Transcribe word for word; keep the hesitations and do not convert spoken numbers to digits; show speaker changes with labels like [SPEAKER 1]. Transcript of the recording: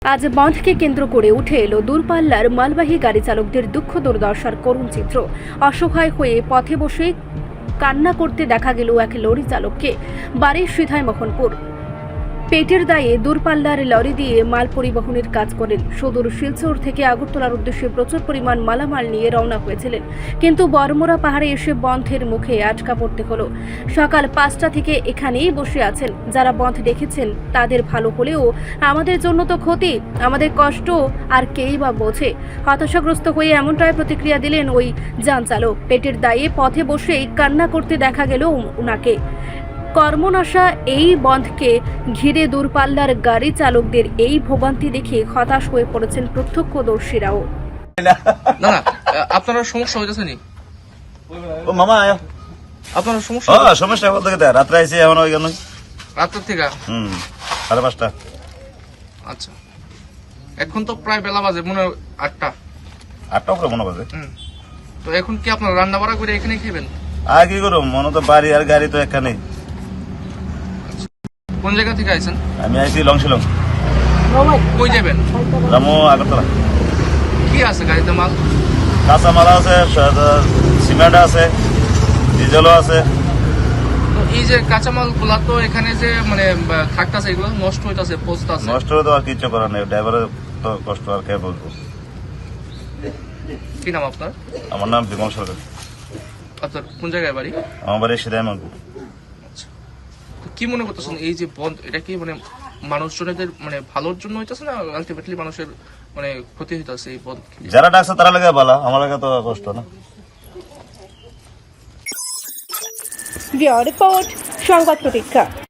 [SPEAKER 1] আজ বন্ধকে কেন্দ্র করে উঠে এলো দূরপাল্লার মালবাহী গাড়ি চালকদের দুঃখ দুর্দশার করুণ চিত্র। অসহায় হয়ে পথে বসে কান্না করতে দেখা গেল এক লরি চালককে। বাড়ির সিধাই মোহনপুর। পেটের দায়ে দূরপাল্লার লরি দিয়ে মাল পরিবহনের কাজ করেন। সুদূর শিলচর থেকে আগরতলার উদ্দেশ্যে প্রচুর পরিমাণ মালামাল নিয়ে রওনা হয়েছিলেন, কিন্তু বরমোরা পাহাড়ে এসে বন্ধের মুখে আটকা পড়তে হলো। সকাল পাঁচটা থেকে এখানেই বসে আছেন। যারা বন্ধ দেখেছেন তাদের ভালো হলেও আমাদের জন্য তো ক্ষতি, আমাদের কষ্ট আর কেই বা বোঝে। হতাশাগ্রস্ত হয়ে এমনটাই প্রতিক্রিয়া দিলেন ওই যান চালক। পেটের দায়ে পথে বসেই কান্না করতে দেখা গেল উনাকে। কর্মনাশা এই বন্ধকে ঘিরে দূরপাল্লার গাড়ি চালকদের এই ভোগান্তি দেখে হতাশ হয়ে পড়েছেন প্রত্যক্ষদর্শীরাও।
[SPEAKER 2] না না আপনার সমস্যা হইতেছে নি?
[SPEAKER 3] ও মামা আয়
[SPEAKER 2] আপনার সমস্যা?
[SPEAKER 3] ও সমস্যা বলতে গেতে রাত্রে আইছি এখন ওই গেল
[SPEAKER 2] রাতের থেকে?
[SPEAKER 3] হুম সাড়ে পাঁচটা।
[SPEAKER 2] আচ্ছা, এখন তো প্রায় বেলা বাজে মনে হয় আটটা
[SPEAKER 3] আটটা উপরে মনে বাজে।
[SPEAKER 2] হুম, তো এখন কি আপনার রান্না বাড়া করে এখানে খাবেন?
[SPEAKER 3] আর কি করবো, মনে তো বাড়ি আর গাড়ি তো এখানে।
[SPEAKER 2] কোন জায়গা থেকে আইছেন?
[SPEAKER 3] আমি আইছি লংশিলং।
[SPEAKER 2] কই যাবেন?
[SPEAKER 3] রামু আগরতলা।
[SPEAKER 2] কি আছে গাড়িতে মাল?
[SPEAKER 3] কাঁচা মালা আছে, সিমেন্ট আছে, ডিজেলও আছে।
[SPEAKER 2] তো এই যে কাঁচামাল গুলা তো এখানে যে মানে থাকতেছে এগুলো নষ্ট হইতাছে, পচতাছে।
[SPEAKER 3] নষ্ট হলে তো আর কিছু করার নেই, ড্রাইভারের তো কষ্ট আর কে বলবো।
[SPEAKER 2] কি নাম আপনার?
[SPEAKER 3] আমার নাম বিমল সরকার।
[SPEAKER 2] আপনার কোন জায়গায় বাড়ি?
[SPEAKER 3] আমার বাড়ি সিধাই মানবো।
[SPEAKER 2] তো কি মনে করতেছেন এই যে বন্ধ, এটা কি মানে মানুষজনের মানে ভালোর জন্য হইতাছে না আলটিমেটলি মানুষের মানে ক্ষতি হইতাছে এই বন্ধ?
[SPEAKER 3] যারা ডাকছে তারা লাগে ভালো, আমার লাগে তো কষ্ট না।
[SPEAKER 1] রিপোর্ট সংবাদ প্রতীক্ষা।